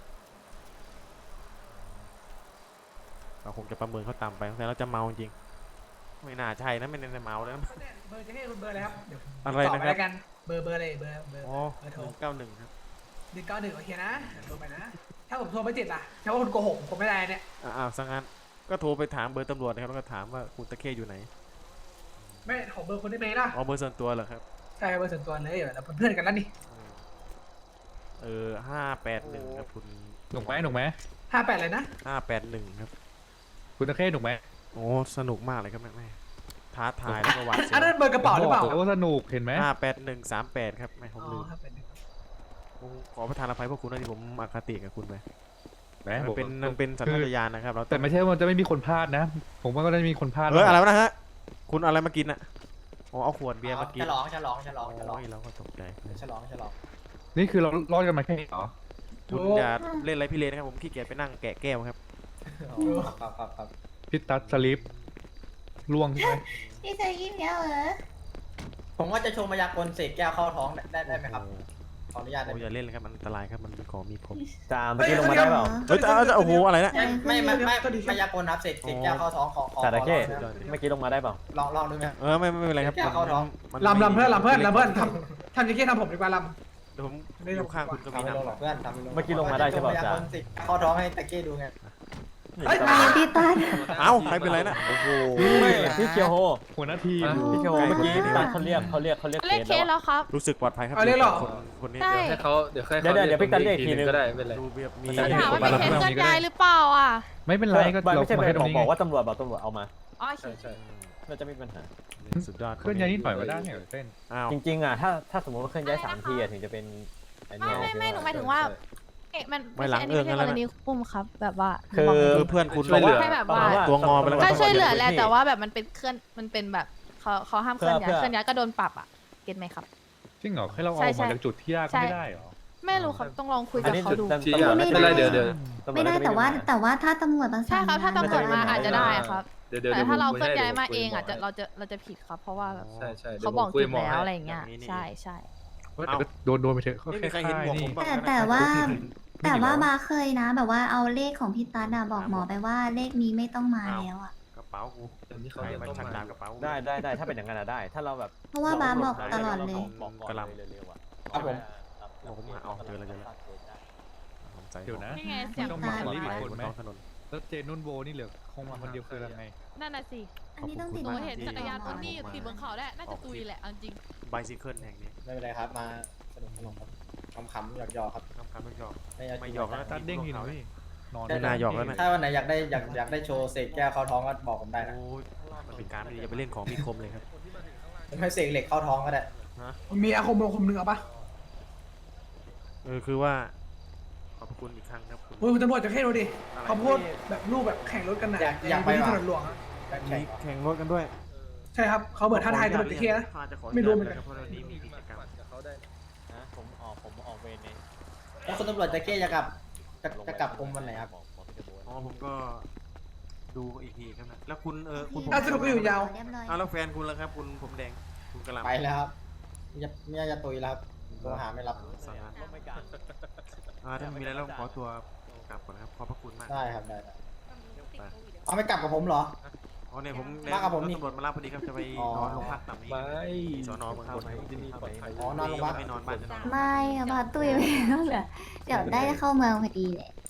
Speaker 1: เราคงจะประเมินเขาต่ำไปแต่เราจะเมาจริงไม่น่าใช่นะไม่น่าจะเมาแล้วนะ
Speaker 4: เบอร์จะให้คุณเบอร์อะไรครับเดี๋ยวผม
Speaker 1: อะไร
Speaker 4: ตอบ
Speaker 1: นะ
Speaker 4: ไป
Speaker 1: ครับ
Speaker 4: แล้วกันเบอร์เบอร์อะไรเบอร์เบอร์
Speaker 1: อ๋อ
Speaker 4: เบอร์
Speaker 1: ห
Speaker 4: โทร
Speaker 1: นึ่งเก้าหนึ่งครับ
Speaker 4: หนึ่งเก้าหนึ่งโอเคนะโทรไปนะ ถ้าผมโทรไม่ติดล่ะถ้าว่าคุณโกหกผมไม่ได้เนี่ย
Speaker 1: อ้าวสังงั้นก็โทรไปถามเบอร์ตำรวจนะครับแล้วก็ถามว่าคุณตะเข้อยู่ไหน
Speaker 4: ไม่ขอเบอร์คุณได้ไหมล่ะ
Speaker 1: อ๋อเบอร์ส่วนตัวเหรอครับ
Speaker 4: ใช่เบอร์ส่วนตัวเลยเราเป็นเพื่อนกันแล้วนี่
Speaker 1: เออห้าแปดหนึ่งครับคุณ
Speaker 2: หนุกไหมหนุกไหม
Speaker 4: ห้าแปดเลยนะ
Speaker 1: ห้าแปดหนึ่งครับ
Speaker 2: คุณตะเข้หนุกไหม
Speaker 1: โอ้สนุกมากเลยครับแม่แม่ท้าทายแล้วก็หวาดเสี
Speaker 4: อันนั้นเบอร์กระเป๋าหรือเปล่า
Speaker 2: โอ้สนุกเห็นไหม
Speaker 1: ห้าแปดหนึ่งสามแปดครับไม่ผม
Speaker 4: อ๋อ
Speaker 1: ลืม
Speaker 4: ห้าแปดหนึ่ง
Speaker 1: ผมขอประทานอภัยพวกคุณนะที่ผมอคติกับคุณไป
Speaker 2: แหม
Speaker 1: มันเป็นมันเป็นสัญชาตญาณนะครับเราต้
Speaker 2: แต่
Speaker 1: อง
Speaker 2: ไม่ใช่ว่าจะไม่มีคนพลาดนะ ผมว่าก็ได้มีคนพลาด
Speaker 1: เฮ้ยอะไรวะนะฮะคุณเอาอะไรมากินอ่ะอ๋อเอาขวดเบียร์มากิน
Speaker 3: ฉลองฉลองฉลองฉลอง
Speaker 1: โอ้ยเราก็ตกใจ
Speaker 3: ฉลองฉลอง
Speaker 2: นี่คือเรารอดกันมาแค่นี้เหรอ
Speaker 1: คุณอย่าเล่นอะไรพี่เลนนะครับผมขี้เกียจไปนั่งแกะแก้วครับ
Speaker 3: ครับครับครับ
Speaker 2: พิตัสสลิปล่วงใช่ไหม
Speaker 7: พี่จะยิ้มเยอะเหรอ
Speaker 3: ผมว่าจะโชว์มายากลเสกแก้วเข้าท้องได้ได้ไหมครับ
Speaker 1: โอ้
Speaker 3: ขออนุญาตได้
Speaker 1: โห
Speaker 3: ไหม
Speaker 1: อย่าเล่นเลยครับมันอันตรายครับมันเป็นของมีคม
Speaker 8: จามเมื่อกี้ลงมาได้เปล่า
Speaker 1: เฮ้ยแต่เอาแต่โอ้โหอะไรนะ
Speaker 3: ไม่ไม่ไม่ไม่มายากลครับเสกเสกแก้วเข้าท้องขอขอ
Speaker 8: จาระเข้
Speaker 3: ขอลองนะ
Speaker 8: เมื่อกี้ลงมาได้เปล่า
Speaker 3: ลองลองดูไหม
Speaker 1: เออไม่ไม่ไม่เป็นไรครับ
Speaker 3: แก้วเข้าท้อง
Speaker 1: มัน
Speaker 4: ลำลำเพื่อนลำเพื่อนลำเพื่อนทำทำอย่างนี้ทำผมดีกว่าล
Speaker 1: เดี๋ยวผมอยู่ข้างคุณก็
Speaker 3: ทำ
Speaker 1: มี
Speaker 3: ไม่ลงหร
Speaker 1: น้ำ
Speaker 3: อกเพื่อนทำไม่ลง
Speaker 8: เมื่อกี้ลงมาได้ใช่เปล่า
Speaker 3: จะโชว์มายากล
Speaker 8: จ๊ะ
Speaker 3: เสกเข้าท้องให้ตะเก้ดูไง
Speaker 4: ำเฮ้ย
Speaker 7: พี่ตัน
Speaker 1: เอ้าใครเป็นไรนะโอ้โห
Speaker 8: ไม่พี่เคียวโฮ
Speaker 2: หัวหน้าทีม
Speaker 8: พี่เคียวโฮเมื่อกี้ตอนเขาเรียกเขาเรียกเขาเรียก
Speaker 9: เล่น
Speaker 8: เค
Speaker 9: เค
Speaker 8: ส
Speaker 9: ส
Speaker 8: แล้ว
Speaker 9: แล้วครับ
Speaker 1: รู้สึกปลอดภัยครับ
Speaker 4: เอาเลยเหรอ
Speaker 1: คนคนนี้
Speaker 9: ใช่
Speaker 1: เดี๋ยว
Speaker 10: ให้เขาเดี๋ยวค่อย
Speaker 8: เดี๋ยวเดี๋ยวเดี๋ยวพี่กันเรียกอีกทีนึง
Speaker 10: ก็ได้ไม่เป็นไร
Speaker 1: ดูแบบมี
Speaker 8: มันจะ
Speaker 9: ถามว่า
Speaker 2: ป
Speaker 9: มี
Speaker 2: ระ
Speaker 9: เค
Speaker 2: มาณ
Speaker 9: ส
Speaker 2: นี้
Speaker 9: เตือน
Speaker 2: ก็ได้
Speaker 9: ใจหรือเปล่าอ่ะ
Speaker 2: ไม่เป็นไรก็
Speaker 8: ไม่
Speaker 2: เรา
Speaker 8: ไม่ใช่
Speaker 2: มา
Speaker 8: ไม่
Speaker 2: แค่ตร
Speaker 8: บอก
Speaker 2: งนี้
Speaker 8: บอกว่าตำรวจบอกตำรวจเอามา
Speaker 9: อ๋อ
Speaker 10: ใช่ใช่
Speaker 8: น่าจะไม่มีปัญหา
Speaker 1: สุดยอด
Speaker 2: เคลื่อนย้ายนิดหน่อยก็ได้เนี่ยเต้น
Speaker 1: อ้าว
Speaker 8: จริงๆอ่ะถ้าถ้าสมมติว่าเคลื่อนย้ายสามทีอะถึงจะเป็นอัน
Speaker 9: ไม่
Speaker 8: เนี้ย
Speaker 9: ไม่ไม่หนูหมายถึงว่าเอ๊ะมัน
Speaker 1: ไม่หลัง
Speaker 9: ใช่
Speaker 1: เอื้อง
Speaker 9: ไม่
Speaker 1: นั่น
Speaker 9: ใช่
Speaker 1: แหละ
Speaker 9: กรณีปุ่มครับ แบบว่า
Speaker 8: คือ
Speaker 1: คือเพื่อนคุณ
Speaker 10: ช่วยเหลือ
Speaker 9: ให้แบบว่า
Speaker 1: ตัวงอไปแล้ว
Speaker 9: ก็ช่วยเหลือแหละ
Speaker 8: ตำรจ
Speaker 9: แต่ว่าแบบมันเป็นเคลื่อนมันเป็นแบบเขาเขาห้ามเคลื่อนย้าย
Speaker 8: เพื่อ
Speaker 9: เคลื่อนย้ายก็โดนปรับอ่ะเก็ตไหมครับ
Speaker 2: จริงเหรอให้เราเอา
Speaker 9: ใช่
Speaker 2: ออก
Speaker 9: ใช่
Speaker 2: มาจากจุดที่ยาก
Speaker 9: ใช่
Speaker 2: ไม่ได้เหรอ
Speaker 9: ไม่รู้ครับต้องลองคุย
Speaker 8: อั
Speaker 9: กับ
Speaker 8: นนี้
Speaker 9: เขา
Speaker 8: จุด
Speaker 9: ดู
Speaker 8: ตำ
Speaker 10: ที่
Speaker 8: ตำรวจ
Speaker 10: ไม่
Speaker 8: น่าจะ
Speaker 10: เป็นไรเดี๋ยวเดี๋ยว
Speaker 8: ตำรว
Speaker 7: ไม่
Speaker 8: จ
Speaker 7: ได้
Speaker 8: น่าจะ
Speaker 7: แต่ว่า
Speaker 8: ปัญห
Speaker 7: แต่ว่าถ้าตำรวจประสาน
Speaker 9: ใช่ครับถ้าตำรวจมาอาจจะได้ครับ
Speaker 10: เดี๋ยวเดี๋ยว
Speaker 9: แต่
Speaker 10: ดี๋ยว
Speaker 9: ถ้าเรา
Speaker 10: ผม
Speaker 9: เคลื่อนย้ายมา
Speaker 10: คุ
Speaker 9: เองอ่ะ
Speaker 10: บ
Speaker 9: จะเราจะเราจะผิดครับ เพราะว่าแบบ
Speaker 10: ใช่ใช่ดี๋
Speaker 9: เขา
Speaker 10: ยว
Speaker 9: บอก
Speaker 10: ผมคุย
Speaker 9: จุด
Speaker 10: หมอ
Speaker 9: แล้ว
Speaker 10: ให้
Speaker 9: อะไรอย่างเงี้ย
Speaker 1: อย่างนี้นี่
Speaker 9: ใช่ใช่
Speaker 2: แต่ก็โดนโดนไปเถอะก็
Speaker 1: ไม่
Speaker 2: แค่
Speaker 1: มีใครเห็น
Speaker 2: ค่าย
Speaker 1: หมวกผ
Speaker 2: นี่
Speaker 1: มบ้าง
Speaker 7: แต่
Speaker 1: นะ
Speaker 7: แต่ว่า
Speaker 2: ไม่
Speaker 7: แต่
Speaker 2: มีเหรอ
Speaker 7: ว่ามาเคยนะ แบบว่าเอาเลขของพี่ตันอะบอกหมอไปว่าเลขนี้ไม่ต้องมาแล้วอะ
Speaker 1: กระเป๋ากู
Speaker 10: เดี๋ยวนี้เขา
Speaker 1: ใคร
Speaker 10: เริ่ม
Speaker 1: มา
Speaker 10: ต้อง
Speaker 1: ชัก
Speaker 10: มา
Speaker 1: ดาบกระเป๋ากู
Speaker 8: ได้ได้ได้ถ้าเป็นอย่างนั้นอะได้ ถ้าเราแบบ
Speaker 7: เพราะว่าบาสบอกตลอดเลย
Speaker 8: บอกก่อนเลยเร็วๆอะ
Speaker 3: ครับผม
Speaker 1: บอกผมมาเอาเจอแล้วเจอแล้วผมใจ
Speaker 2: เดี๋ยวนะ
Speaker 9: นี่ไงเสียง
Speaker 2: ต้อง
Speaker 9: ตา
Speaker 2: มี
Speaker 1: ไป
Speaker 2: สลิปอีกคน
Speaker 1: บน
Speaker 2: ไหม
Speaker 1: ท้องถนน
Speaker 2: แล้วเจนุ่นโบนี่เหลือคงมาคนเดียวคือยังไง
Speaker 9: นั่นน่ะสิ
Speaker 7: อันนี้ต้องติด
Speaker 9: หนู
Speaker 7: หมว
Speaker 9: เห็นจักรยาน
Speaker 7: ก่
Speaker 9: บนนี่ติดบนเขาได้น่าจะตุยแหละเอาจริง
Speaker 1: ไบซิเคิลแห่งนี้
Speaker 3: ไม่เป็นไรครับมาสนุกสนุกครับขำๆหยอกๆครับ
Speaker 1: คำคำไม่หยอก
Speaker 3: ไม่เอา
Speaker 1: ไม่หยอกแล้ว
Speaker 2: ตัดเด้งทีหน่อยนอน
Speaker 1: ไม่น่าหยอกแล้วนะ
Speaker 3: ถ้าวันไหนอยากได้อยากอยากได้โชว์เสกแก้วเข้าท้องก็บอกผมได้นะ
Speaker 1: โอ้ยมันเป็นการไม่ดีอย่าไปเล่นของมีคมเลยครับ
Speaker 3: ผมให้เสกเหล็กเข้าท้องก็ได้
Speaker 4: มีอาคมอาคมหนึ่งเอาปะ
Speaker 1: เออคือว่าขอบคุณอีกครั้งครับคุณ
Speaker 4: โอ้ยคุณตำรวจจะแค่ดูดิเขาพูดแบบรูปแบบแข่งรถกันน่ะ
Speaker 3: อยากอยากไป
Speaker 4: ที่
Speaker 3: ว่ะ
Speaker 4: ถนนหลวงอะ
Speaker 3: แบบ
Speaker 1: มี
Speaker 3: แข่ง
Speaker 1: แข่งรถกันด้วย
Speaker 4: ใช่ครับเขาเหมือนท้าทายตำรวจจะแค่นะ ไม่รู้เหมือนกัน
Speaker 1: เพราะเรานี้มีกิจกรรม
Speaker 8: นะผมออกผมออกเวรเอง
Speaker 3: แล้วคุณตำรวจจะเก้จะกลับจะจะกลับกรมวันไหนครับ
Speaker 8: บอกบอกพี่จะโบน
Speaker 1: อ๋อผมก็ดูอีกทีครับนะแล้วคุณเออคุณผม
Speaker 4: อ่ะสรุปก็อยู่ยาว
Speaker 7: เรียบร้อย
Speaker 1: อ้าวแล้วแฟนคุณล่ะครับ คุณผมแดงคุณกระหลำ
Speaker 3: ไปแล้วครับจะเมียจะตุยแล้วครับโทรหาไม่รับ
Speaker 1: สาระอ่าถ้ามีอะไรแล้วผมขอตัวกลับก่อนนะครับขอบพระคุณมาก
Speaker 3: ได้ครับได้ได้เอาไม่กลับกับผมเหรอ
Speaker 1: อ๋อเนี่ยผม
Speaker 3: มากับผมนี่
Speaker 1: ตำรวจมารับพอดีครับจะไป
Speaker 3: อ๋อ
Speaker 1: นอนโรงพักต่ำนี้
Speaker 2: ไม่
Speaker 1: สอนอเมืองนนท์ที่นี่ปลอดภัย
Speaker 3: อ๋อนอนโรงพัก
Speaker 1: ไม่นอนบ้านจะนอน
Speaker 7: ไม่ค่ะพาตุ้ยไม่ต้องเหลือเดี๋ยวได้เข้าเมืองพอดีเลย